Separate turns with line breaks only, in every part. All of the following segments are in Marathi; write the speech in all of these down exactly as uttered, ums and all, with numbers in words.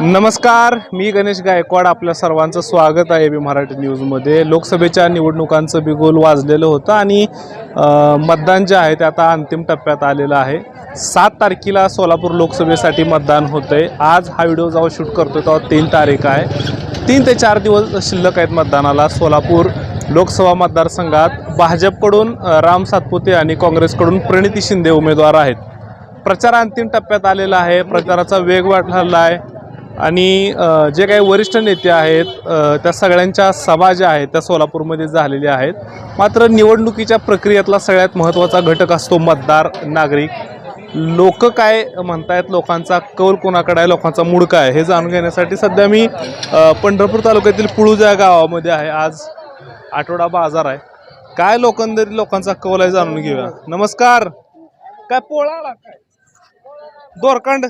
नमस्कार, मी गणेश गायकवाड. आपल्या सर्वांचं स्वागत आहे बी मराठी न्यूजमध्ये. लोकसभेच्या निवडणुकांचं बिगुल वाजलेलं होतं आणि मतदान जे आहे ते आता अंतिम टप्प्यात आलेलं आहे. सात तारखेला सोलापूर लोकसभेसाठी मतदान होतं आहे. आज हा व्हिडिओ जेव्हा शूट करतो तेव्हा तीन तारीख आहे. तीन ते चार दिवस शिल्लक आहेत मतदानाला. सोलापूर लोकसभा मतदारसंघात भाजपकडून राम सातपुते आणि काँग्रेसकडून प्रणिती शिंदे उमेदवार आहेत. प्रचार अंतिम टप्प्यात आलेला आहे. प्रचाराचा वेग वाढलेला आहे आणि जे काही वरिष्ठ नेते आहेत त्या सगळ्यांच्या सभा ज्या आहेत त्या सोलापूरमध्ये झालेल्या आहेत. मात्र निवडणुकीच्या प्रक्रियेतला सगळ्यात महत्त्वाचा घटक असतो मतदार, नागरिक. लोक काय म्हणतायत, लोकांचा कौल कोणाकडे आहे, लोकांचा मूड काय हे जाणून घेण्यासाठी सध्या मी पंढरपूर तालुक्यातील पुळूज या गावामध्ये आहे. आज आठवडा बाजार आहे. काय लोकांतरी लोकांचा कौल आहे जाणून घेऊया. नमस्कार. काय पोळा काय दोरकांड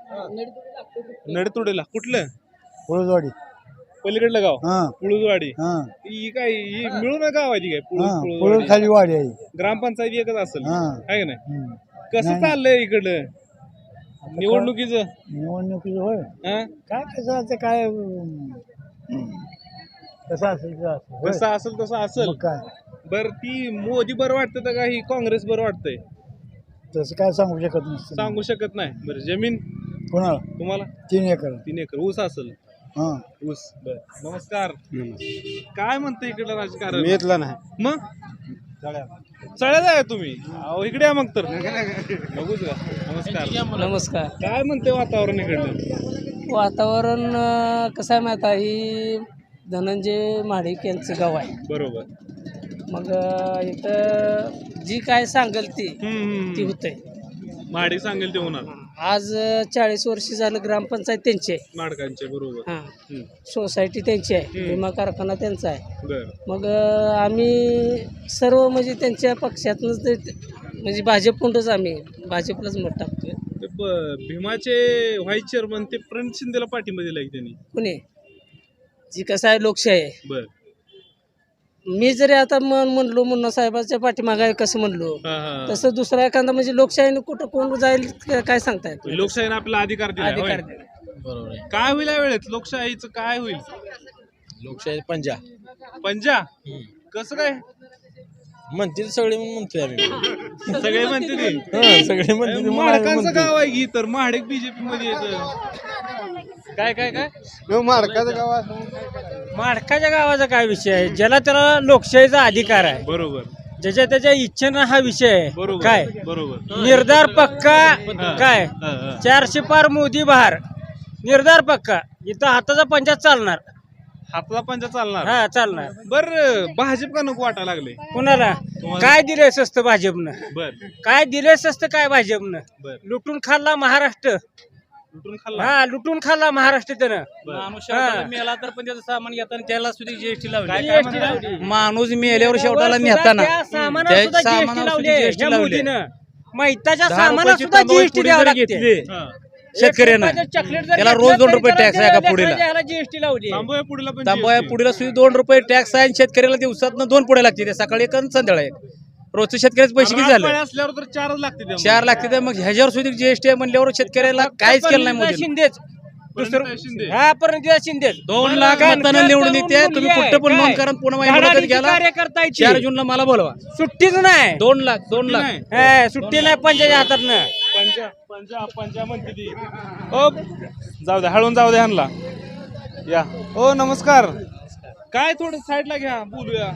नडतुडेला कुठलं?
पुळूजवाडी.
पलीकडलं गाव
हा
पुळूजवाडी.
हा
ही काय ही मिळून गाव आहे ती काय
हा
पुळूज
पुळूज खाली वाडी आहे.
ग्रामपंचायत एकच असेल
हा
आहे का नाही?
हम्म.
कसं
नाही.
चाललंय इकडलं निवडणुकीचं?
निवडणुकीचं होय
हा?
काय कसं असं काय हम्म. कसं असेल तसं असेल. होय.
कसं असेल तसं असेल.
मग काय
बर ती मोदी बरं वाटतं का ही काँग्रेस बरं वाटतंय?
तसं काय सांगू शकत नसतं.
सांगू शकत नाही. बरं जमीन
कोणाला?
तुम्हाला?
तीन एकर.
तीन एकर ऊस असेल.
हा
ऊस. बर नमस्कार. काय म्हणतं इकडलं राजकारण?
मी येतला नाही.
मग चढ्याला आहे तुम्ही? अहो इकडे या मग तर बघूच का. नमस्कार.
नमस्कार.
काय म्हणते वातावरण इकडलं?
वातावरण अं, कसं आहे माहिती आहे, ही धनंजय महाडिक यांचं गाव आहे.
बरोबर.
मग अं, इथं जी काय सांगेल ती
हम्म,
ती
हम्म.
होतंय.
महाडी सांगेल ते होणार.
आज चाळीस वर्ष झालं ग्रामपंचायत त्यांची आहे.
माडकांचे बरोबर.
हां,
हम्म.
सोसायटी त्यांची आहे,
हम्म.
विमा कारखाना त्यांचा आहे.
बर.
मग अं, आम्ही सर्व म्हणजे त्यांच्या पक्षातनंच ते म्हणजे भाजपकडूनच आम्ही भाजपलाच मत टाकतोय.
ते ब- भीमाचे व्हाईस चेअरमन ते प्रणित शिंदेला पाठिंबा दिला की त्यांनी.
पुणे जी कसं आहे लोकशाही आहे.
बर.
मी जरी आता म्हण म्हणलो मुन्ना साहेबाच्या पाठीमागे कसं म्हणलो,
हा, हा.
तसं दुसरा एखादा म्हणजे लोकशाहीने कुठं कोण जाईल क- काय सांगता येत नाही.
लोकशाहीने आपला अधिकार दिला
अधिकार
होय?
बरोबर आहे.
काय होईल या वेळेत लोकशाहीचं? काय होईल?
लोकशाही पंजा
पंजा कसं काय
म्हणतील सगळे म्हणून म्हणतोय आम्ही.
सगळे म्हणते ते
सगळे म्हणतील म्हणून आम्ही
माडकांचं
म्हणतोय.
गाव आहे की तर महाडेक बीजेपी मध्ये येतं. काय काय काय
माडकाचं गाव असं
माडकाच्या गावाचा काय विषय आहे? ज्याला त्याला लोकशाहीचा अधिकार आहे,
बरोबर.
ज्याच्या त्याच्या इच्छेनं हा विषय आहे.
बरोबर
काय
बरोबर.
निर्धार पक्का काय
हा, हा.
चारशे पार मोदी बहार निर्धार पक्का. इथं हाताचा पंजा चालणार.
हातला पंजा चालणार.
हा चालणार.
बर भाजप का नको वाटायला लागले?
कुणाला काय दिलंय स्वस्त भाजपनं?
बर
काय दिलंय स्वस्त काय भाजपनं?
बर.
लुटून खाल्ला महाराष्ट्र.
लुटून खाल्ला.
हा लुटून खाल्ला महाराष्ट्र त्यानं.
माणूस
मेला तर पण त्याचं सामान घेताना त्याला सुद्धा जीएसटी
काय- काय
लावली.
माणूस मेल्यावर शेवटाला नेताना
त्या सामानाला
त्या
सुद्धा
सामानाला
जीएसटी
सुद्धा
लावली.
GST
ह्या
लावली.
मोदीनं मैताच्या
दहा
सामानाला
रुपयाची
सुद्धा
तांदूळ
जीएसटी
पुडी
द्यावं
जरी
लागते.
घेतली
हा.
शेतकऱ्यानं त्याला रोज दोन रुपये टॅक्स आहे का पुढीला.
ह्याला जीएसटी लावली.
तांबोया पुढीला पण
तांबया
G S T.
पुढीला सुद्धा दोन रुपये टॅक्स आहे आणि शेतकऱ्याला दिवसात दोन पुढे लागते. ते सकाळी एक आणि संध्याकाळी एक. रोजचं शेतकऱ्याचे पैसे किती
रातपाळी
झाले?
असल्यावर तर चारच लागते त्यामुळे.
चार लागते तर मग ह्याच्यावर सुद्धा जीएसटी आहे म्हणल्यावर शेतकऱ्याला काहीच केलं नाही मोदीनं.
शिंदेच
प्रणिता शिंदे.
हा पर्यंत शिंदेच
दोन लाख मतांना निवडून येते. तुम्ही कुठं पण नोंद करा. पुन्हा माझ्या मुलाखत घ्यायला
कार्यकर्ता
चार जूनला मला बोलवा.
सुट्टीच नाही.
दोन लाख दोन लाख
नाही.
हा, सुट्टी नाही पंचाच्या हातात.
पंजा पंजा पंजा म्हणते ती. ओ जाऊ दे, हळून जाऊ दे ह्यांना. या ओ नमस्कार. काय थोडं साईडला घ्या बोलूया.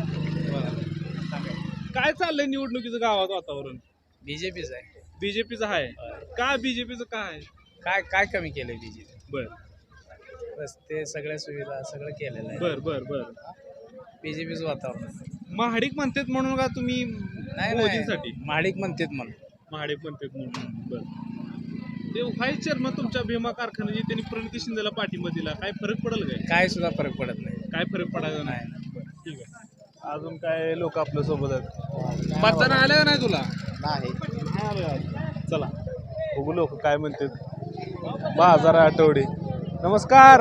काय चाललंय निवडणुकीचं गावात वातावरण?
बीजेपीच आहे.
बीजेपीचं आहे का? बीजेपीचं काय?
काय काय कमी केलंय बीजेपी?
बर
रस्ते सगळ्या सुविधा सगळं केलेलं आहे.
बर बर बर.
बीजेपीच वातावरण
महाडिक म्हणतात म्हणून का तुम्ही
नाही
मोदींसाठी?
माडिक म्हणतात म्हणून.
महाडिक म्हणतात म्हणून. बर. ते व्हाईस चेअरमन तुमच्या भीमा कारखान्याची त्यांनी प्रणिती शिंदेला पाठिंबा दिला. काय फरक पडेल काय?
काय सुद्धा फरक पडत नाही.
काय फरक पडायचा नाही. बरं, ठीक आहे. अजून काय लोक आपल्या सोबत आहेत? मतदान आलं का नाही तुला?
नाही.
चला बघू लोक काय म्हणतात. बाजार आठवडे. नमस्कार.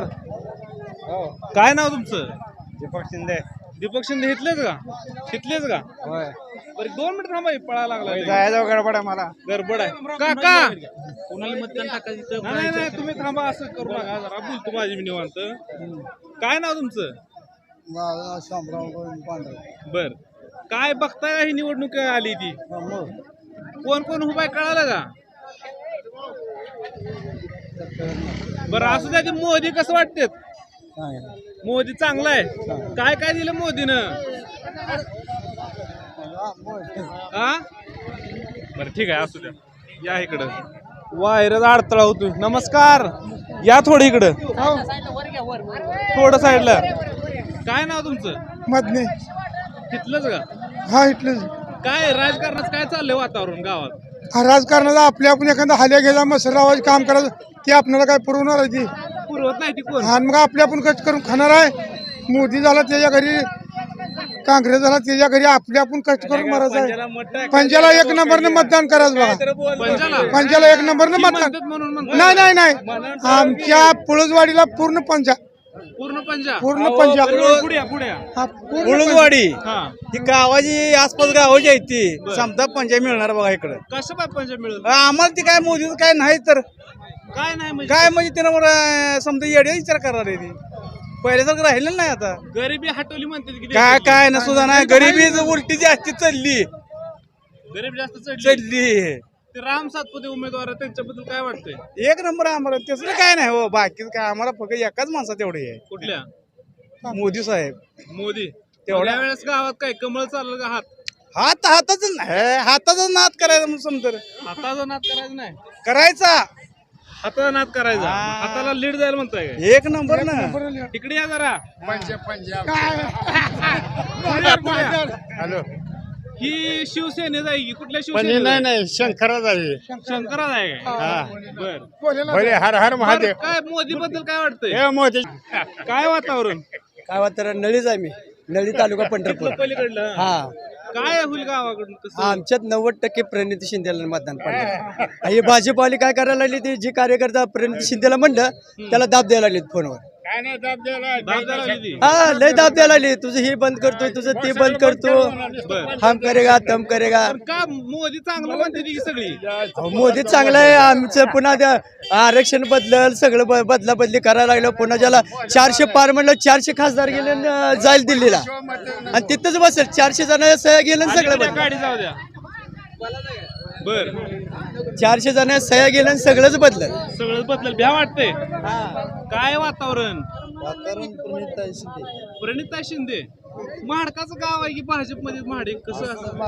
काय नाव तुमचं?
दीपक शिंदे.
दीपक शिंदे इथलेच का? इथलेच का?
होय.
बरं दोन मिनिट थांबा हे पळायला लागला
जायचं गडबड आहे मला.
गडबड आहे काका
कोणाला मतदान टाकायचं
नाही नाही, नाही तुम्ही थांबा असं करू नका जरा बोलतो माझी मी निवांत. काय नाव तुमचं?
शामराव पांढरे.
बर काय बघताय का ही निवडणूक आली ती कोण कोण उभा आहे कळालं का? बरं असं द्या की मोदी कसं वाटतेत? मोदी चांगला आहे. काय काय दिलं मोदीनं? हा बरं ठीक आहे असू द्या. या इकडं वायरचा अडथळा होतोय. नमस्कार या थोडं इकडं थोडं साईडला. काय नाव तुमचं?
मधने.
तिथलंच का?
हा इथलं
काय राजकारणात काय चाललंय वातावरण गावात?
राजकारणाला आपल्या आपण एखादा हाल्या घ्यायचा मसरावाज काम करायचं ते आपल्याला काय पुरवणार आहे ती.
पुरवत नाही ती कोण?
आणि मग आपले आपण कट करून खाणार आहे. मोदी झाला त्याच्या घरी, काँग्रेस झाला त्याच्या घरी, आपले आपण कष्ट करून मारायचं आहे.
पंजाला मत टाकायचं.
पंजाला एक नंबरने मतदान करायचं बघा.
पंजाला
पंजाला एक नंबरने
ती
मतदान.
म्हणतात म्हणून म्हणतात.
नाही नाही नाही आमच्या पुळजवाडीला पूर्ण पंजा
पूर्ण पंजा
पूर्ण पंजा
पुढे पुढे
हा, पूर्ण
उळदवाडी
हा
ही गावाची आसपास गावाची आहे ती समजा पंजा मिळणार बघा इकडं.
कसं काय पंजा मिळेल?
आम्हाला ती काय मोदीचं काय नाही तर
काय नाही म्हणजे
काय म्हणजे त्यानं मला समजा येडे विचार करणार आहे ती पहिल्यासारखं राहिलेलं नाही आता.
गरिबी हटवली म्हणते की
काय काय ना सुद्धा नाही गरिबी उलटी जास्ती चालली
गरीब जास्त चढली.
चढली
ते राम सातपुते उमेदवार आहेत, त्यांच्याबद्दल काय वाटतंय?
एक नंबर आम्हाला तसलं काय नाही हो बाकीचं काय आम्हाला फक्त एकाच माणसा तेवढी आहे
कुठल्या?
मोदी साहेब.
मोदी.
तेवढ्या-
तेवढ्या वेळेस गावात काय कमळ चाललं का? हात
हात हाताच नाही हाताचा नाद करायचा म्हणून समजा
हाताचा नाद करायचा नाही.
करायचा
हाताचा नाद करायचा.
हा.
हाताला लीड जायला म्हणताय काय?
एक नंबर ना.
तिकडे या जरा.
हॅलो
ही शिवसेनेच आहे की कुठल्या
पण हे नाही
शिवसेने?
नाही शंकराच आहे.
शंकराच आहे काय? बर
भले हर हर महादेव.
बरं, काय मोदी बद्दल काय वाटतंय?
हे मोदी
काय वातावरण?
काय वाटतं नळीच आहे मी नळी तालुका पंढरपूर.
तिथलं पलीकडलं
हा
काय होईल गावाकडून कसं?
आमच्यात नव्वद टक्के प्रणिती शिंदेला मतदान पडलं. हे भाजपवाली काय करायला लागली ती जी कार्यकर्ता प्रणिती शिंदेला म्हणलं त्याला दाब द्यायला लागली फोनवर.
काय नाही दाब द्यायला.
दाब द्यायला लागली ती?
हा लय दाब द्यायला लागली तुझं हे बंद करतोय तुझं ते बंद करतो
बर.
हम करेगा तम करेगा.
पण का मोदी चांगलं म्हणते ती सगळी?
अहो, मोदी चांगला आहे आमचं पुन्हा त्या आरक्षण बदलल सगळं ब- बदला बदली करायला लागलं पुन्हा ज्याला चारशे पार म्हणलं चारशे खासदार गेले न, जाईल दिल्लीला आणि तिथंच बसेल चारशे जण सह्या गेलं आणि सगळं
आणि त्या
बदललं.
गाडी जाऊ द्या. बर
चारशे जण सह्या गेलं आणि सगळंच बदललं.
सगळं बदल भ्या वाटतंय. काय वातावरण? प्रणिता शिंदे महाडकाचं गाव आहे की भाजपमध्ये महाडिक कसं असं?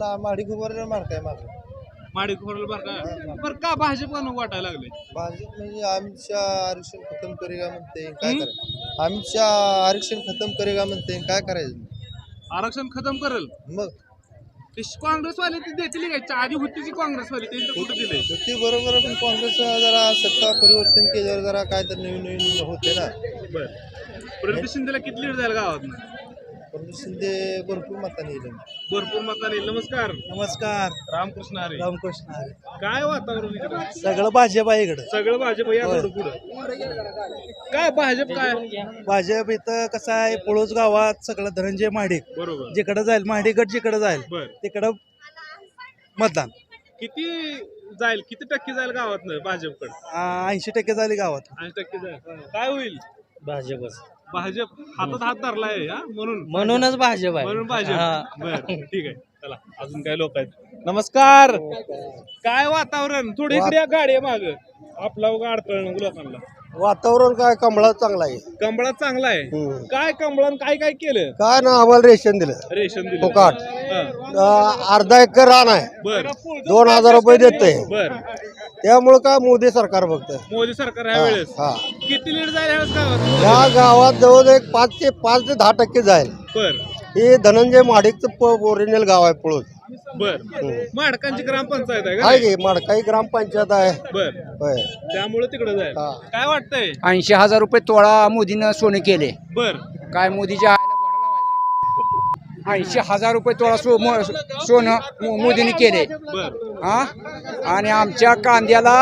माडिक खोरल बर का बर का भाजप का नको वाटायला लागले?
भाजप म्हणजे आमच्या आरक्षण खतम करेगा म्हणते काय करायचं आमच्या आरक्षण खतम करेगा म्हणते काय करायचं
आरक्षण खतम करेल
मग
ते काँग्रेसवाले ती देतील काय? आधी होती ती काँग्रेसवाली त्यांचं कुठं दिलंय?
ते बरोबर आहे, पण काँग्रेस जरा सत्ता परिवर्तन केल्यावर जरा काय तर नवीन नवीन होते ना.
बर प्रणिता शिंदेला किती लीड जाईल गावात?
पण शिंदे भरपूर मताने येईल.
भरपूर मताने. नमस्कार.
नमस्कार
रामकृष्ण हरी.
रामकृष्ण
काय वातावरण इकडं?
सगळं भाजप आहे इकडं.
सगळं भाजप या थोडं पुढं. काय भाजप काय?
भाजप इथं कसं आहे पुळूस गावात सगळं धनंजय महाडिक
बरोबर.
जिकडे जाईल महाडिकट जिकडे जाईल
बर
तिकडं मतदान
किती जाईल? किती टक्के जाईल गावात भाजपकडे?
ऐंशी टक्के झाली गावात.
ऐंशी टक्के जाईल. काय होईल?
भाजपच
भाजप हातात हात धरलाय हा म्हणून
म्हणूनच भाजप आहे.
म्हणून भाजप. बर ठीक आहे. चला अजून काय लोक आहेत. नमस्कार. काय वातावरण? थोडी इकडे या गाडी माग आपला उगा अडथळ नको लोकांना.
वातावरण काय कमळा चांगला आहे.
कंबळात चांगला आहे. काय कंबळान काय काय केलं?
काय ना आम्हाला रेशन दिलं.
रेशन दिलं.
फुकट.
हा.
अर्धा एकर रान आहे
बर
दोन हजार रुपये देते
बर
त्यामुळे काय मोदी सरकार बघतं.
मोदी सरकार ह्या वेळेस
हा
किती लीड जाईल ह्यावेळेस गावात?
या गावात जवळ एक पाच ते पाच ते दहा टक्के जाईल.
बर
हे धनंजय महाडिकचं ओरिजिनल गाव आहे पळूस.
बर माडकांची ग्रामपंचायत आहे
आहे
का?
की माडकाई ग्रामपंचायत आहे.
बर
होय.
त्यामुळे तिकडे जाईल.
हा.
काय वाटतंय?
ऐंशी हजार रुपये तोळा मोदीनं सोनं केले.
बर
काय मोदीच्या आईला घोडा लावायचा. ऐंशी हजार रुपये तोळा सो मो- सोनं मो- मोदीने केले.
बर
हा आणि आमच्या कांद्याला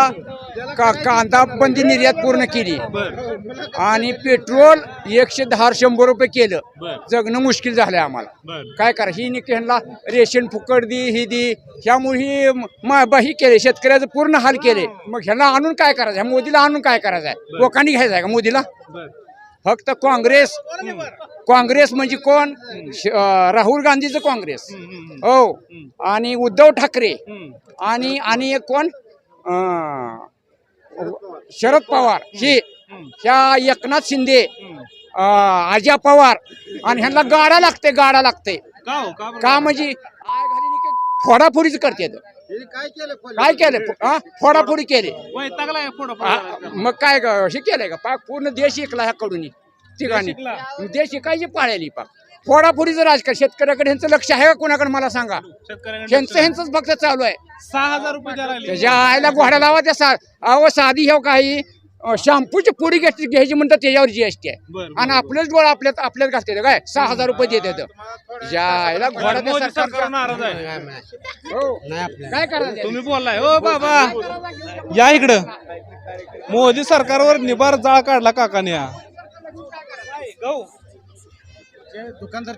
का कांदा बंदी निर्यात पूर्ण केली
बर
आणि पेट्रोल एकशे दहा शंभर रुपये केलं.
बर
जगणं मुश्किल झालंय आम्हाला.
बर
काय करा ही निक ह्यांना रेशन फुकट दी ही दी ह्यामुळे ही म- ही केले शेतकऱ्याचं पूर्ण हाल केले. मग ह्याला आणून काय करायचं, ह्या मोदीला आणून काय करायचं आहे, लोकांनी घ्यायचं आहे का मोदीला?
बर
फक्त काँग्रेस काँग्रेस म्हणजे कोण? श- अं, राहुल गांधीचं काँग्रेस हो, आणि उद्धव ठाकरे आणि आणि एक कोण अं, शरद पवार हे ह्या एकनाथ शिंदे अं, अजय पवार आणि ह्यांना गाडा लागते गाडा लागते
का हो का बरं?
का म्हणजे आय घाली की फोडाफोडीच करते काय केलं हा? फोडाफोडी केली.
वैतागला आहे फोडा
हा, मग काय ग- हे केलंय का पाक पूर्ण देश ऐकला ह्याकडून ठिकाणी
शिकला.
देश शिकायची पाळलेली पाक फोडाफोडीचं राजकारण. शेतकऱ्याकडे ह्यांचं लक्ष आहे का कोणाकडे मला सांगा?
शेतकऱ्यांना
ह्यांचं ह्यांचंच फक्त चालू आहे.
सहा हजार रुपये द्यायला लागले.
त्याच्या आईला घोडा लावा त्या सा अहो साधी ह्या काही अं, शॅम्पूची पुडी घ्यायची घ्यायची म्हणतात त्याच्यावर जीएसटी आहे.
बरं,
आणि आपलेच डोळा आपल्यात आपल्यात घालते काय सहा हजार रुपये देते त्याच्या आईला घोडा त्या
मोदी सरकार
सरकारचा-
नाराज आहे.
हो. काय करायचं
तुम्ही बोललाय हो बाबा या इकडं. मोदी सरकारवर निबार जाळ काढला काकाने हा. गहू.
दुकानदार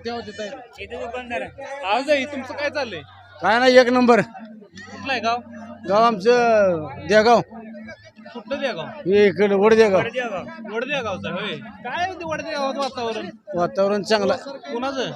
आज आहे तुमचं काय चाललंय?
काय नाही एक नंबर.
कुठलं आहे गाव?
गाव आमचं देगाव.
कुठलं द्या गाव?
हे इकडे वडदेगाव.
वडद्या गावचं होय. काय होते वडद्या गावात वातावरण?
वातावरण चांगलं.
कुणाचं?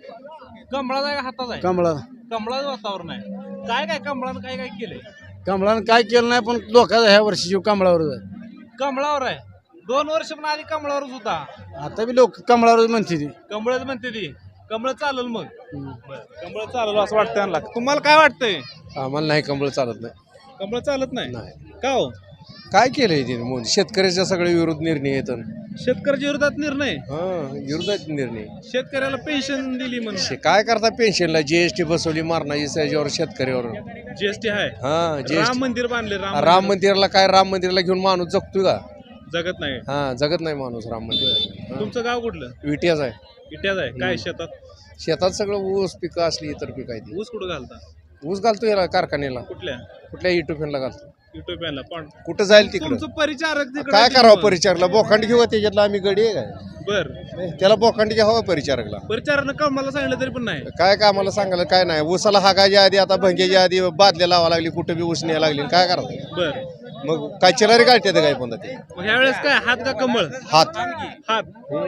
कमळाचं आहे का हाताचं आहे?
कमळा
कमळाचं वातावरण आहे. काय काय कमळानं काय काय केलंय?
कमळानं काय केलं नाही पण लोकांचा ह्या वर्षी जीव कमळावरच आहे.
कमळावर आहे. दोन वर्ष पण आधी कमळावरच होता.
आता बी लोक कमळावरच म्हणते ती.
कमळच म्हणते ती. कमळ चालेल मग. बरं. कमळ चालेल असं वाटतं यांना. तुम्हाला काय वाटतंय?
आम्हाला नाही कमळ चालत नाही.
कमळ चालत नाही का हो?
काय केलंय तिने मोदी? शेतकऱ्याच्या सगळे विरोध निर्णय येतात.
शेतकऱ्याच्या विरोधात निर्णय.
हा विरोधात निर्णय.
शेतकऱ्याला पेन्शन दिली म्हणून.
शे- काय करता पेन्शनला जीएसटी बसवली मारणाची त्याच्यावर शेतकऱ्यावर.
जीएसटी आहे.
हा
राम
जीएसटी.
मंदिर बांधले. राम
राम मंदिराला काय राम मंदिराला घेऊन माणूस जगतोय का?
जगत नाही.
हा जगत नाही माणूस राम मंदिर.
तुमचं गाव कुठलं?
विट्याच आहे.
इट्याच आहे. काय शेतात?
शेतात सगळं ऊस पिकं असली इतर पिकं आहे ती.
ऊस कुठं घालता?
ऊस घालतो याला कारखान्याला.
कुठल्या?
कुठल्या युट्यूबला घालतो.
युट्यूबला पण
कुठं जाईल तिकडं.
तुमचं परिचारक तिकडं
काय
आहे
करावं
मग.
परिचारला? बोखांड घेऊ त्याच्यातला आम्ही गडी आहे काय?
बर
त्याला बोखांड घ्यावा परिचारकला.
परिचारानं कमळाला सांगितलं तरी पण नाही.
काय काय आम्हाला सांगायला काय नाही. ऊसाला हागायच्या आधी आता भंग्याच्या आधी बादल्या लावा लागली, कुठं बी ऊस न्यायला लागली. काय करावं
बर
मग? काय चिलारी काढते काय पण ते
मग ह्या वेळेस काय हात का कमळ?
हात.
हात.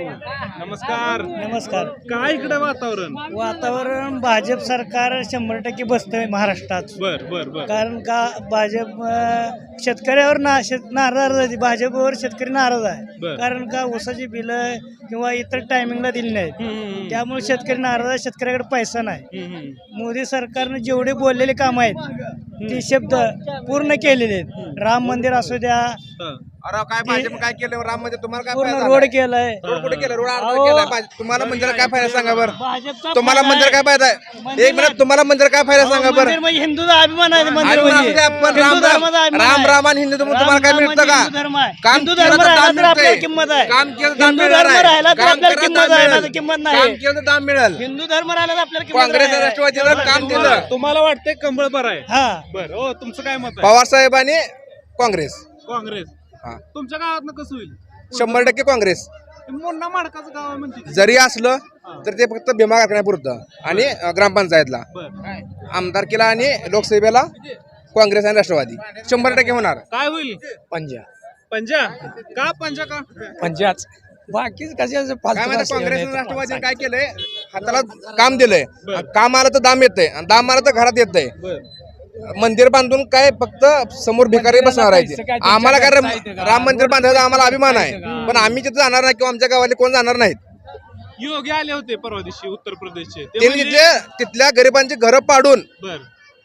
नमस्कार.
नमस्कार.
काय इकडे वातावरण?
वातावरण भाजप सरकार शंभर टक्के बसतंय महाराष्ट्रात.
बर बर बर
कारण का भाजप अं, शेतकऱ्यावर ना शेत नाराज आहे. भाजपवर शेतकरी नाराज आहे.
बर.
कारण का ऊसाची बिलं किंवा इतर टायमिंगला दिली नाहीत.
हम्म,
त्यामुळे शेतकरी नाराज आहे. शेतकऱ्याकडे पैसा नाही.
हम्म, हम्म.
मोदी सरकारने जेवढे बोललेले काम आहेत ते शब्द पूर्ण केलेले आहेत. राम मंदिर असू द्या,
हं.
अरे काय भाजप काय केलं राम मध्ये तुम्हाला काय
पूर्ण
फायदा
रोड
झाला?
केलाय.
रोड कुठे केलं? रोड अर्धा
अहो,
केलाय. भाजप- तुम्हाला मंदिर काय फायदा सांगा बरं?
भाजपचा
तुम्हाला
फायदा
मंदिर
आहे.
काय फायदा आहे?
मंदिर
एक मिनिट, तुम्हाला मंदिर काय फायदा सांगा
मंदिर
बरं?
म्हणजे हिंदूचा अभिमान आहे. मंदिर
अभिमान
म्हणजे
असू द्या, पण
हिंदू
राम राम
धर्माचा अभिमान
राम
आहे.
राम आणि हिंदू तुम्हाला
राम
काय
राम
मिळतं
म्हणजे
का?
हिंदू धर्म आहे.
काम
हिंदू
केलं
धर्म
तर
राहिला
दाम
तर आपल्याला
मिळतंय.
किंमत आहे.
काम केलं तर दाम
हिंदू
मिळणार
धर्म
आहे.
राहिला तर
काम
आपल्याला
केलं तर
किंमत
दाम
आहे.
मिळेल.
नाही तर किंमत
काम
नाही.
केलं तर दाम मिळेल.
हिंदू धर्म राहिला तर आपल्याला किंमत
काँग्रेस
आहे.
राष्ट्रवादीनं काम दिलं.
तुम्हाला वाटतंय कमळ बरं आहे?
हा
बर हो तुमचं काय मत आहे?
पवार साहेब आणि काँग्रेस
काँग्रेस.
हा.
तुमच्या गावात कसं होईल?
शंभर टक्के काँग्रेस.
मोठा माडकाचं गाव आहे म्हणते.
जरी असलं तर ते फक्त भीमा कारखान्यापुरतं आणि अं, ग्रामपंचायतला.
बर
आमदारकीला आणि लोकसभेला काँग्रेस आणि राष्ट्रवादी शंभर टक्के होणार.
काय होईल?
पंजा
पंजा का? पंजा का?
पंजाच बाकीच कशाचं
काय माहिती काँग्रेस आणि राष्ट्रवादीने काय केलंय? हाताला काम दिलंय. काम आलं तर दाम येतंय आणि दाम आलं तर घरात येतंय.
बर
मंदिर बांधून काय फक्त समोर भिकारी बसणार आहे ते. आम्हाला काय राम राम मंदिर बांधायचा आम्हाला अभिमान आहे, पण आम्ही तिथे जाणार नाही किंवा आमच्या गावाले कोण जाणार नाहीत.
योगी आले होते परवा दिवशी उत्तर प्रदेशचे. ते
त्यांनी
म्हणले-
तिथल्या तिथल्या गरिबांची घरं पाडून
बर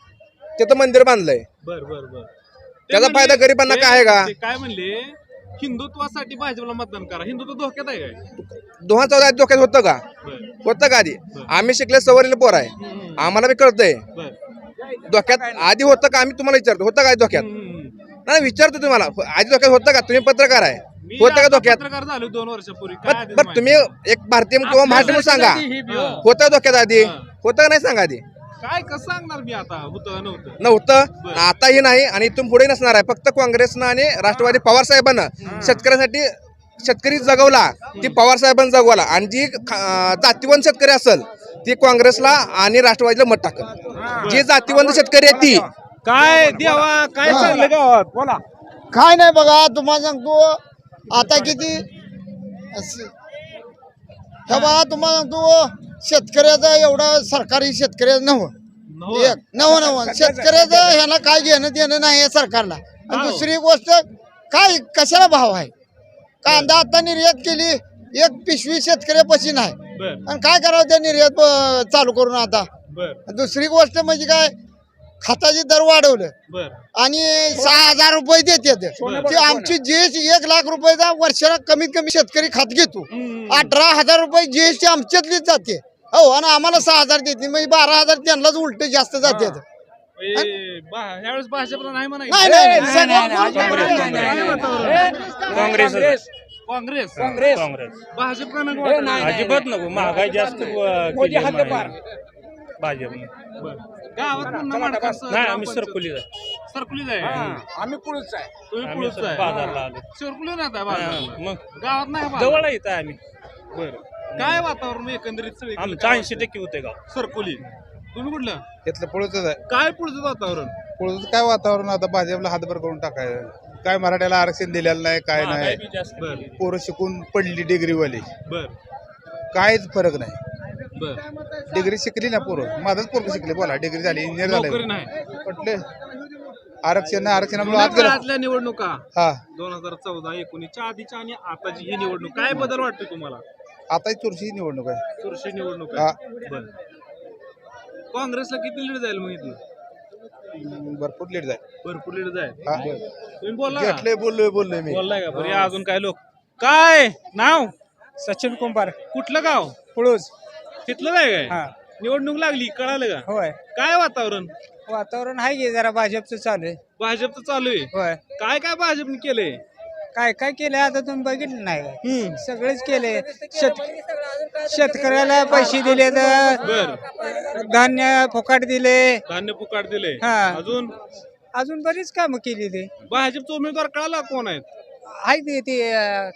तिथं मंदिर बांधलंय.
बर बर बर ते
त्याचा
म्हणले-
फायदा गरिबांना
ते-
काय आहे का?
ते काय म्हणले? हिंदुत्वासाठी भाजपला मतदान करा. हिंदुत्व धोक्यात आहे काय?
दोन हजार चौदा धोक्यात होतं का?
बर
होतं का आधी? आम्ही शिकले सवरलेले पोर आहे, आम्हाला बी कळतंय.
बर
धोक्यात आधी होतं का? आम्ही तुम्हाला विचारतो होतं काय धोक्यात?
हम्म.
नाही विचारतो तुम्हाला, आधी धोक्यात होतं का? तुम्ही पत्रकार आहे,
मी
होतं का
आता
धोक्यात?
पत्रकार झालो दोन वर्षापूर्वी. काय
बर
आधीच
बर,
माहिती?
तुम्ही एक भारतीय किंवा महाराष्ट्र म्हणून सांगा,
हा.
होतं धोक्यात आधी?
हा.
होतं का नाही सांगा आधी?
काय कसं सांगणार मी आता होतं नव्हतं
नव्हतं आताही नाही आणि इथून पुढे नसणार आहे. फक्त काँग्रेसनं आणि राष्ट्रवादी पवार साहेबांना शेतकऱ्यासाठी शेतकरी जगवला ती पवार साहेबांनी जगवला आणि जी अं, जातीवंत शेतकरी असेल ती काँग्रेसला आणि राष्ट्रवादीला मत टाकल. जी जातीवंत शेतकरी आहे ती
काय देवा काय चाललं गावात बोला.
काय नाही बघा तुम्हाला सांगतो आता किती अस- हे बघा तुम्हाला सांगतो शेतकऱ्याचं एवढं सरकारी शेतकऱ्याचं नव्हतं एक नव नव शेतकऱ्याचं ह्याला काय घेणं देणं नाही आहे सरकारला. आणि दुसरी गोष्ट काय कशाला भाव आहे. कांदा आता निर्यात केली एक पिशवी शेतकऱ्यापाशी नाही
बर
आणि काय करावं त्या निर्यात अं, चालू करून आता.
बर
दुसरी गोष्ट म्हणजे काय खताचे दर वाढवलं
बर
आणि सहा हजार रुपये देतात ते आमची जीएसटी एक लाख रुपयाचा वर्षाला कमीत कमी शेतकरी खात घेतो. अठरा हजार रुपये जीएसटी आमच्यातलीच जाते हो आणि आम्हाला सहा हजार देते म्हणजे बारा हजार त्यांनाच उलट जास्त जातात.
ए, बा- ह्यावेळेस भाजपला नाही म्हणायचं.
नाही नाही, नाही सगळं-
काँग्रेस
काँग्रेस
काँग्रेस
भाजप का नको वाटत?
अजिबात नको. महागाई जास्त
मोदी हद्दपार.
भाजप
बर. गावात पुन्हा माडका सर-
नाही आम्ही सरकुली
सरकुलीच आहे
आम्ही पुढेच आहे.
तुम्ही पुढेच आहे
बाजारला आलो.
सरकुली नाही आता बाजारला.
मग
गावात नाही बाजार.
जवळ येत आम्ही.
बर काय वातावरण एकंदरीत सगळी
आमचं ऐंशी टक्के होते गाव.
सरकुली तुम्ही कुठलं
घेतलं पुढच आहे.
काय पुढचं वातावरण
पुढचं काय वातावरण आता भाजपला हातभर करून टाकायचं. काय मराठ्याला आरक्षण दिलेलं नाही काय
महागाई
नाही.
बी जास्त.
बर
पोरं शिकून पडली डिग्रीवाली
बर
काहीच फरक नाही.
बर
डिग्री शिकली ना पोरं माझंच पोरं शिकले बोला डिग्री झाली इंजिनियर
नोकरी
झाले
नाही.
म्हटले आरक्षण नाही आरक्षणामुळे आत गेलं.
आजल्या निवडणुका
हा
दोन हजार चौदा एकोणीसच्या आधीच्या आणि आताची ही निवडणूक काय बदल वाटतोय तुम्हाला?
आता चुरशी निवडणूक आहे.
चुरशी निवडणूक
हा.
आहे. बर काँग्रेसला किती लीड जाईल मग इथलं?
भरपूर लेट जाईल.
भरपूर लीड जाईल.
हा.
तुम्ही बोलला का?
घेतलंय बोललोय बोललोय मी.
बोललाय का? बरं या अजून काय लोक काय नाव
सचिन कुंभार
कुठलं गाव
पुळूज.
तिथलं काय काय
हा
निवडणूक लागली कळालं का?
होय.
काय वातावरण
वातावरण आहे की जरा भाजपचं चालू आहे.
भाजपचं चालू आहे.
होय.
काय काय भाजपने केलंय?
काय काय केलंय आता तुम्ही बघितलं नाही का?
हम्म.
सगळेच केले. शेत शेतकऱ्याला पैसे दिले तर
बर
धान्य फुकाट दिले.
धान्य फुकाट दिले.
हा.
अजून
अजून बरीच कामं केली ते
भाजपचा उमेदवार कळाला कोण आहेत?
आहे ते ते अं,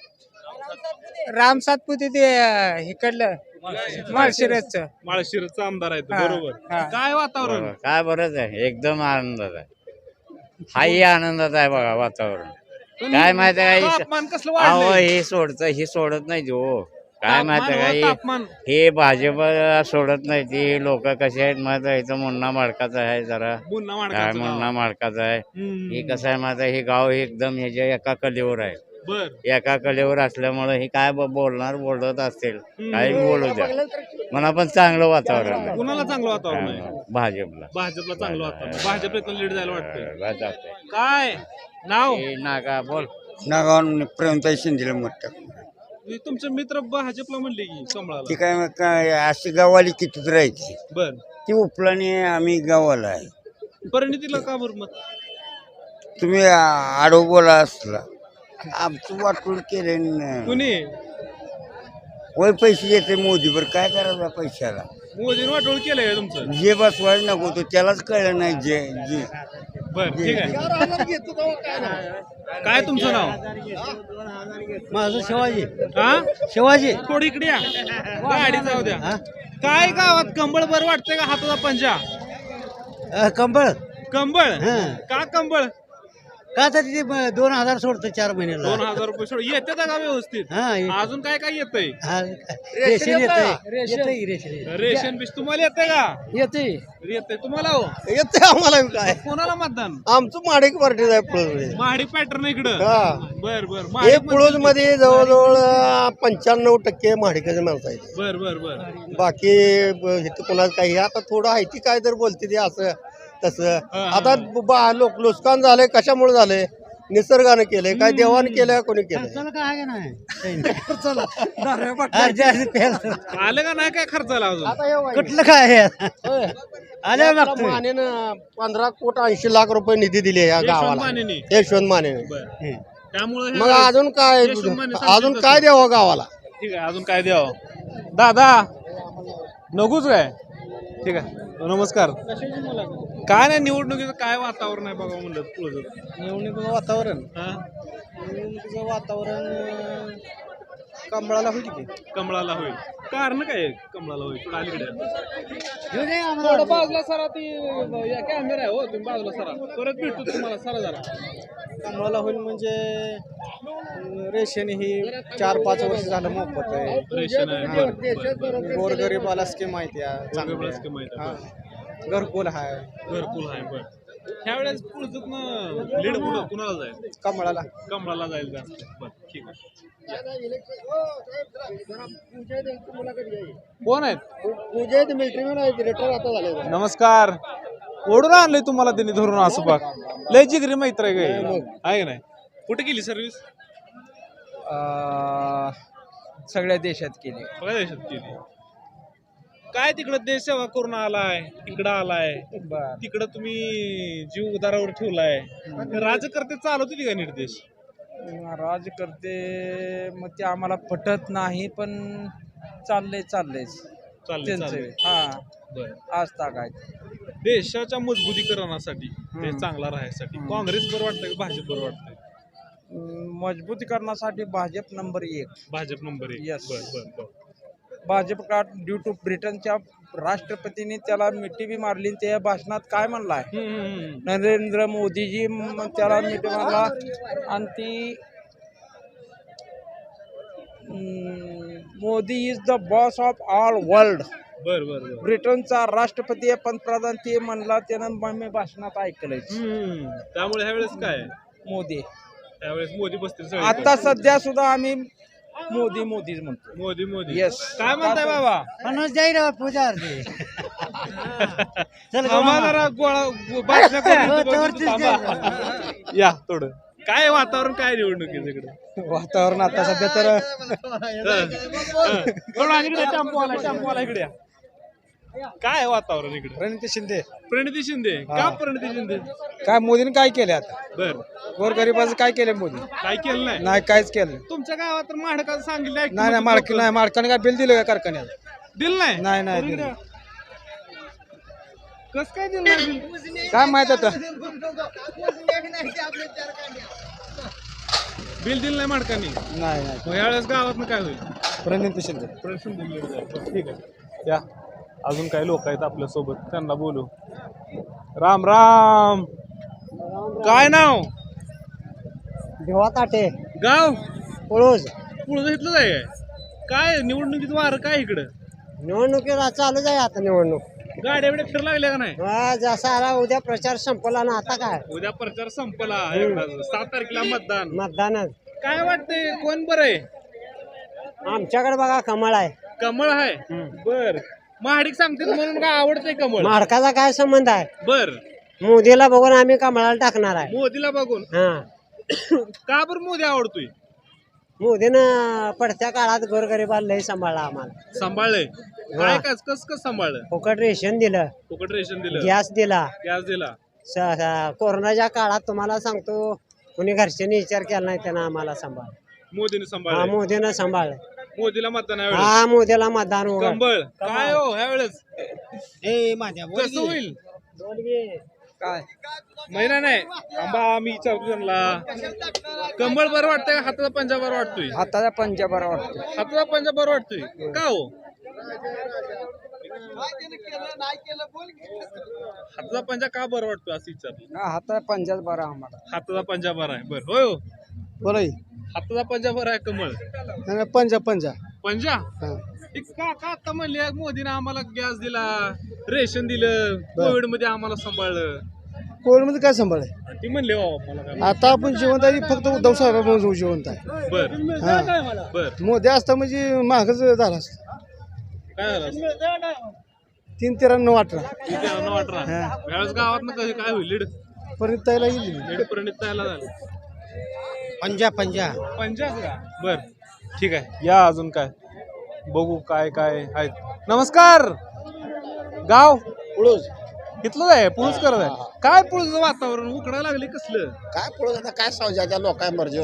राम सातपुते ते अं, इकडलं माळशिरसचं.
माळशिरसचा आमदार आहेत
हा.
बरोबर.
हा.
काय वातावरण?
काय बरंच आहे एकदम आनंदात आहे. हाही आनंदात आहे बघा वातावरण. काय माहिती आहे का
तापमान कसलं
अहो
वाढलंय?
हे सोडत ही सोडत नाही हो. काय माहिती
तापमान
आहे
व
का
तापमान
हे हे भाजप सोडत नाही ती लोक कसे आहेत माहिती आहे इथं मुन्ना माडकाचा आहे जरा
पुन्हा
काय
माडकाचं
मुन्ना
नाव.
माडकाचा आहे.
हम्म.
हे कसं आहे माहिती आहे हे गाव एकदम ह्याच्या एका कलेवर आहे.
बर
एका कलेवर असल्यामुळे हे काय ब- बोलणार बोलत असतील काही बोलू द्या म्हणा पण चांगलं वातावरण आहे.
कुणाला चांगलं वातावरण आहे?
भाजपला
भाजपला चांगलं वातावरण. भाजप इथं लीड जायला वाटतंय.
भाजप
काय नाव?
नागा बोल
नागाव प्रेमताई शिंदेला मत टाकलं.
तुमचे मित्र भाजपला म्हणले की कमळाला.
ती काय मग काय अशी गावाली कितीच राहायची
बर
ती उपलाने आम्ही गावाला आहे.
परिणितीला का बरं मत?
तुम्ही आडो बोला असला आमचं वाटून केले
कुणी
वय पैसे देते मोदीवर काय करायचं पैशाला.
मोदीने वाटोळ केलंय का तुमचं?
जे बसवायला नको तो त्यालाच कळलं नाही जे जे
बर ठीक आहे. काय तुमचं नाव?
माझं शिवाजी
हा
शिवाजी
थोडी इकडे या गाडी जाऊ द्या. काय गावात कंबळ बरं वाटतंय का हाताचा पंजा?
कंबळ
कंबळ
हं.
का कंबळ?
का तर तिथे ब- दोन हजार सोडतं चार महिन्याला.
दोन हजार रुपये सोड येते का व्यवस्थित?
हा ये-
अजून काय काय येतंय?
हा, रेशन येतंय येतंय रेशन
रेशन बीस तुम्हाला येते का?
येते
येते तुम्हाला हो?
येते आम्हाला काय
कोणाला मतदान?
आमचं माडिक पार्टी आहे पुळज.
महाडी पॅटर्न इकडं.
हा.
बर बर
हे
महाडी
पुळज मध्ये जवळजवळ पंच्याण्णव टक्के माडिकाचे माणसं आहेत.
बर बर बर
बाकी ब- इथं कोणाचं काही आता थोडं आहे ती काय तर बोलते ते असं तसं.
हा.
आता बा लोक नुकसान झालंय कशामुळे झालंय? निसर्गाने केलंय काय देवाने केलंय कोणी केलंय?
खर्चाला काय आहे का नाही खर्चाला जास्त प्यायला.
आलं का नाही काय खर्चाला अजून?
कुठलं काय आहे? आल्या मागतोय
मानेनं पंधरा कोट ऐंशी लाख रुपये निधी दिले या
यशवंत
गावाला
मानेनी.
यशवंत मानेने.
बर त्यामुळे
मग अजून काय
यशवंत माने सांगतील
अजून
तसं.
काय द्यावं गावाला?
ठीक आहे अजून काय द्यावं? दादा नकोच काय ठीक आहे नमस्कार काय नाही निवडणुकीचं काय वातावरण आहे बघा म्हणलं पुढं
निवडणुकीचं वातावरण
हा
निवडणुकीचं वातावरण कमळाला होईल की
कमळाला होईल कारण काय आहे कमळाला होईल थोडं अलीकडे या. थोडं बाजूला सरा ती कॅमेरा आहे हो तुम्ही बाजूला सरा परत भेटतो तुम्हाला सरा जरा
कमळाला होईल म्हणजे अं, रेशन ही चार पाच वर्ष झालं मोफत आहे
रेशन आहे बरं, बरं.
गोरगरीबाला स्कीम माहिती
वेगवेगळं scheme आहे त्या.
आहे घरकुल आहे
घरकुल आहे बरं ह्यावेळेस पुढचं लीड कुठं कुणाला जाईल
कमळाला
कमळाला जाईल जास्त बरं ठीक आहे कोण आहेत नमस्कार ओढून आणलंय तुम्हाला त्यांनी धरून असं बघ लय जिगरी मैत्र आहे काय आहे का नाही कुठे केली सर्व्हिस
सगळ्या देशात केली
बघा देशात केली काय तिकडं देश सेवा करून आलाय तिकडं आलाय तिकडं तुम्ही जीव उदारावर ठेवलाय राजकर्ते चालवते का निर्देश
राजकर्ते मग ते आम्हाला पटत नाही पण चाललंय चाललंयच
चाललंय
त्यांचं
चाललंय.
हा
बरं.
आज ताकाय
देशाच्या मजबूतीकरणासाठी देश चांगला राहण्यासाठी काँग्रेस बरं वाटतं की भाजप बरं वाटतंय
मजबूतीकरणासाठी भाजप नंबर एक
भाजप नंबर एक
Yes.
बर बर बर
भाजप का ड्यू टू ब्रिटनच्या राष्ट्रपतींनी त्याला मिठी बी मारली त्या भाषणात काय म्हणलाय
हम्म, हम्म, हम्म.
नरेंद्र मोदीजी म- त्याला मिठी मारला आणि ती हम्म, Modi is the boss of all world
बर बर बर
ब्रिटनचा राष्ट्रपती आहे, पंतप्रधान ते म्हणला त्यानं मग मी भाषणात ऐकलंय
हम्म. त्यामुळे ह्यावेळेस काय
मोदी
त्यावेळेस मोदी बसतील सगळे.
आता सध्या सुद्धा आम्ही मोदी मोदीच म्हणतो
मोदी मोदी
Yes.
काय म्हणताय बाबा
मनोज जाईराव पुजारी
आम्हाला जरा गोळा बातम्या करून बघू थांबा. या थोडं काय वातावरण काय निवडणुकीचं इकडे
वातावरण आता सध्या तर
थोडं इकडे टेम्पो आला टेम्पो आला इकडे या. काय वातावरण इकडे
रणजित शिंदे
प्रणिती शिंदे का प्रणिती शिंदे
काय मोदीने काय केलं आता
बर
गोरगरिबाचं काय केलं मोदी
काय केलं नाही
नाही काहीच केलं
तुमच्या गावात तर माडकाचं सांगितलं ऐकतो
नाही नाही मालकी नाही मालकाने काय बिल दिलं का कारखान्याला
दिलं नाही
नाही नाही
करून
दिलं.
द्या. कस काय दिलं नाही बिल?
काय माहित आता
बिल दिलं नाही माडकांनी
नाही नाही
मग यावेळेस गावात काय होईल
प्रणित शिंदे
प्रश्न दिले जाईल. ठीक आहे या अजून काही लोक आहेत आपल्या सोबत त्यांना बोलू राम राम काय नाव
देवा ताटे
गाव
पळूज
पुढं घेतलं आहे काय निवडणुकीचं वार काय इकडं
निवडणुकीला चालू आहे आता निवडणूक
गाड्या बिड्या फिर लागल्या का नाही
हा, जसा आला उद्या प्रचार संपला ना आता काय
उद्या प्रचार संपला एकदा. सात तारखेला मतदान
मतदान
काय वाटतंय कोण बरं आहे
आमच्याकडे बघा कमळ आहे
कमळ आहे बर महाडिक सांगते म्हणून काय आवडतंय कमळ
माडकाचा काय संबंध आहे
बर
मोदीला बघून आम्ही कमळाला टाकणार आहे
मोदीला बघून
हा
का बरं मोदी आवडतोय
मोदीनं पडत्या काळात गोरगरिबाला लय सांभाळला आम्हाला
सांभाळलंय काय कस कस कस सांभाळलं
फुकट रेशन दिलं
फुकट रेशन दिलं
गॅस दिला
गॅस दिला
स- स- कोरोनाच्या काळात तुम्हाला सांगतो कुणी घरच्यांनी विचार केला नाही त्यानं आम्हाला सांभाळ
मोदीने
हा
सांभाळलं
मोदीनं सांभाळ
मोदीला मतदान यावेळेस
हा मोदीला मतदान उघड.
कंबळ काय हो ह्या वेळेस
ए माझ्या
कसं होईल
काय
महिना नाही आंबा आम्ही विचारतो त्यांना कंबळ बरं वाटतंय का हाताचा पंजा बरं वाटतोय
हाताचा पंजा बरा वाटतो
हाताचा पंजा बरं वाटतोय का हो हाताचा पंजा का बरं वाटतोय असं विचारलं
हाताचा पंजाच बरा आम्हाला
हाताचा पंजा बरा आहे बरं होय हो
बरं
हाताचा पंजा बरा आहे कमळ
पंजा पंजा
पंजा ते का का आता म्हणले मोदीने आम्हाला गॅस दिला रेशन दिलं कोविड मध्ये आम्हाला सांभाळलं
कोविड मध्ये काय सांभाळ आहे
ती म्हणले हो मला काय
आता आपण जिवंत आहे फक्त उद्धव साहेब जिवंत आहे
बर
हा
बर
मोदी असता म्हणजे महागच झाला असता
काय झालं असं?
तीन तेरा नऊ अठरा
किती आहे? नऊ अठरा यावेळेस गावात ना कधी काय होईल लीड
परत त्याला येईल
लीड प्रणित तयाला झालं
पंजा पंजा
पंजाब का बर ठीक आहे या अजून काय बघू काय काय आहेत नमस्कार गाव
पुळूस
इथलं आहे पुळूस करत आहे काय पुळूस वातावरण उकडायला लागले कसलं
काय पुळूस आता काय सावजा त्या लोकांच्या मर्जीवर आहे हो.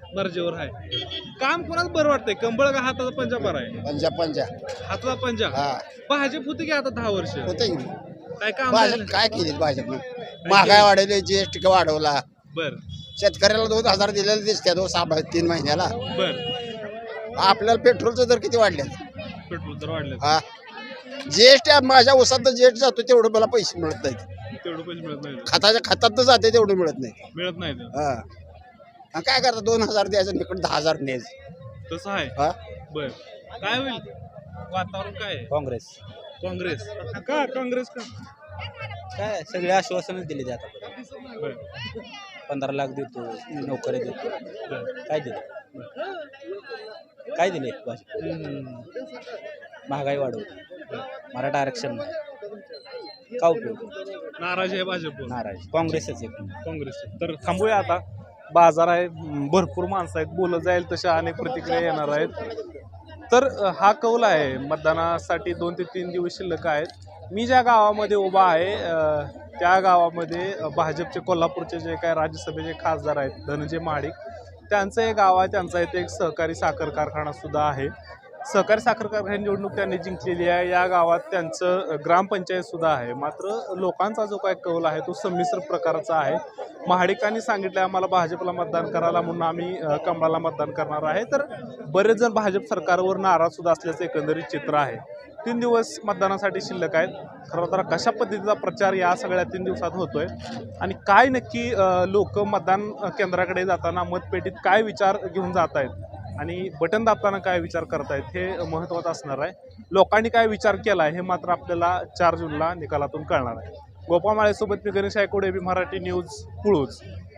दर्जेवर आहे. काम कोणाच बरं वाटतंय, कंबळ का हाताचा पंजा बरा आहे?
पंजा पंजा
हाताचा पंजा.
हा
भाजप होती की आता दहा वर्ष
होते
काय काम
भाजप काय केली भाजपनं महागाई वाढवली जीएसटी वाढवला
बर
शेतकऱ्याला दोन हजार दिलेले दिसते दोन सहा तीन महिन्याला
बर
आपल्याला पेट्रोलचे दर किती वाढले
पेट्रोल तर वाढले,
हा जीएसटी माझ्या उसात जीएसटी जातो तेवढं मला पैसे मिळत नाहीत
तेवढं पैसे मिळत नाही,
खताच्या खतात जाते तेवढं मिळत नाही
मिळत नाही ते.
हा आणि काय करता दोन हजार द्यायचं तिकडे दहा हजार न्यायचं
तसं आहे.
हा
बर काय होईल वातावरण काय आहे?
काँग्रेस
काँग्रेस का काँग्रेस का
काय सगळे आश्वासनच दिले ते आता
बर
पंधरा लाख देतो नोकरी देतो
बर.
काय दिले काय दिले भाजप
हम्म.
महागाई वाढवली मराठा आरक्षण नाही का उपयोग
नाराज आहे भाजप
नाराज काँग्रेसच एक
काँग्रेस. तर थांबूया आता, बाजार आहे, भरपूर माणसं आहेत, बोलत जाईल तशा अनेक प्रतिक्रिया येणार आहेत. तर अ, हा कौल आहे, मतदानासाठी दोन ते तीन दिवस शिल्लक आहेत. मी ज्या गावामध्ये उभा आहे अ, त्या गावामध्ये अ, भाजपचे कोल्हापूरचे जे काय राज्यसभेचे खासदार आहेत धनंजय महाडिक, त्यांचं एक गाव आहे, त्यांचा इथे एक सहकारी साखर कारखाना सुद्धा आहे. सहकारी साखर कारखाना निवडणूक त्यांनी जिंकलेली आहे. या गावात त्यांचं ग्रामपंचायत सुद्धा आहे. मात्र लोकांचा जो काय कौल आहे तो संमिश्र प्रकारचा आहे. महाडिकांनी सांगितलं आम्हाला भाजपला मतदान करायला म्हणून आम्ही अ, कमळाला मतदान करणार आहे. तर बरेच जण भाजप सरकारवर नाराज सुद्धा असल्याचं एकंदरीत चित्र आहे. तीन दिवस मतदानासाठी शिल्लक आहेत. खरं तर कशा पद्धतीचा प्रचार या सगळ्या तीन दिवसात होतोय आणि काय नक्की लोक मतदान केंद्राकडे जाताना मतपेटीत काय विचार घेऊन जात आहेत आणि बटन दाबताना काय विचार करतायत हे महत्त्वाचं असणार आहे. लोकांनी काय विचार केला हे मात्र आपल्याला चार जूनला निकालातून कळणार आहे. गोपाळ माळेसोबत मी गणेश आयकोडे, एबी मराठी न्यूज, पुळूज.